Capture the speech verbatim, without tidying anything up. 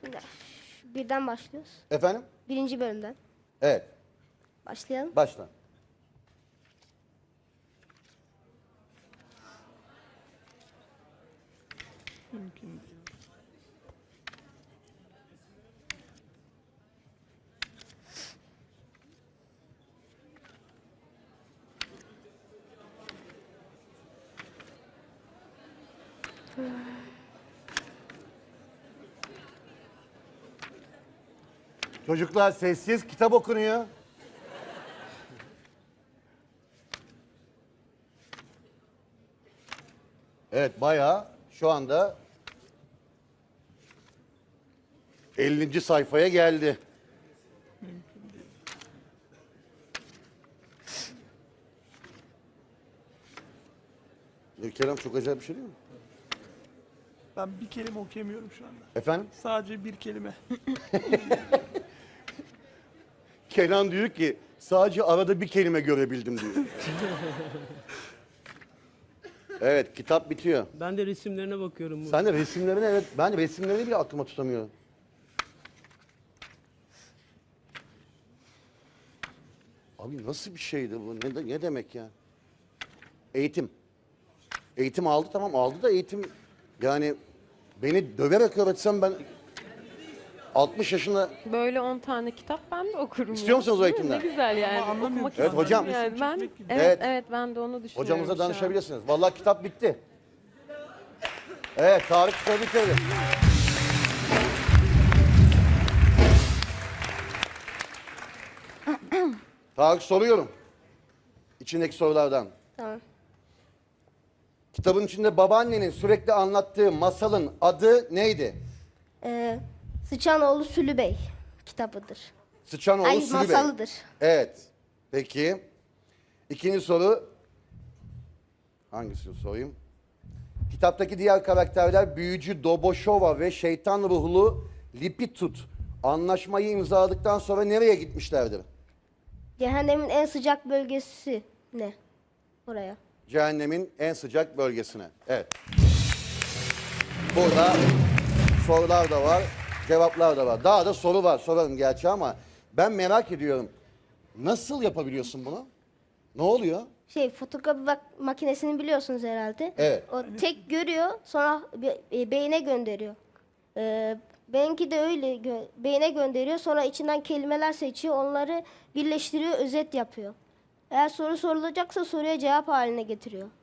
Birden başlıyoruz. Efendim? Birinci bölümden. Evet. Başlayalım. Başla. Mümkün değil. Çocuklar sessiz, kitap okunuyor. Evet, bayağı şu anda ellinci sayfaya geldi. E, Kerem çok acayip bir şey değil mi? Ben bir kelime okuyamıyorum şu anda. Efendim? Sadece bir kelime. Kenan diyor ki sadece arada bir kelime görebildim diyor. Evet, kitap bitiyor. Ben de resimlerine bakıyorum. Bu. Sen de resimlerini, evet, ben resimlerini bile aklıma tutamıyorum. Abi nasıl bir şeydi bu? Ne, de- ne demek ya? Eğitim. Eğitim aldı, tamam aldı da eğitim yani beni döverek öğretsem ben altmış yaşında. Böyle on tane kitap ben de okurum. İstiyor ya. musunuz o Değil mi? eğitimden? Ne güzel yani. Ama anlamıyorum Okumak ki. Evet, istiyorum hocam. Yani ben, Çekmek gibi. evet, Evet. evet ben de onu düşünüyorum. Hocamıza şu an. danışabilirsiniz. Vallahi kitap bitti. Evet, Tarık kitabı bitirdi. Tarık soruyorum. İçindeki sorulardan. Tamam. Kitabın içinde babaannenin sürekli anlattığı masalın adı neydi? Ee, Sıçanoğlu Sülü Bey kitabıdır. Sıçanoğlu Ay, Sülü Bey. masalıdır. Evet. Peki. İkinci soru. Hangisini sorayım? Kitaptaki diğer karakterler büyücü Doboşova ve şeytan ruhlu Lipitut anlaşmayı imzaladıktan sonra nereye gitmişlerdir? Cehennemin en sıcak bölgesi ne? Oraya. Cehennemin en sıcak bölgesine. Evet. Burada sorular da var, cevaplar da var. Daha da soru var, sorarım gerçi ama ben merak ediyorum. Nasıl yapabiliyorsun bunu? Ne oluyor? Şey fotokopi bak- makinesini biliyorsunuz herhalde. Evet. O tek görüyor sonra be- e, beyine gönderiyor. Ee, benimki de öyle gö- beyine gönderiyor sonra içinden kelimeler seçiyor onları birleştiriyor özet yapıyor. Eğer soru sorulacaksa soruya cevap haline getiriyor.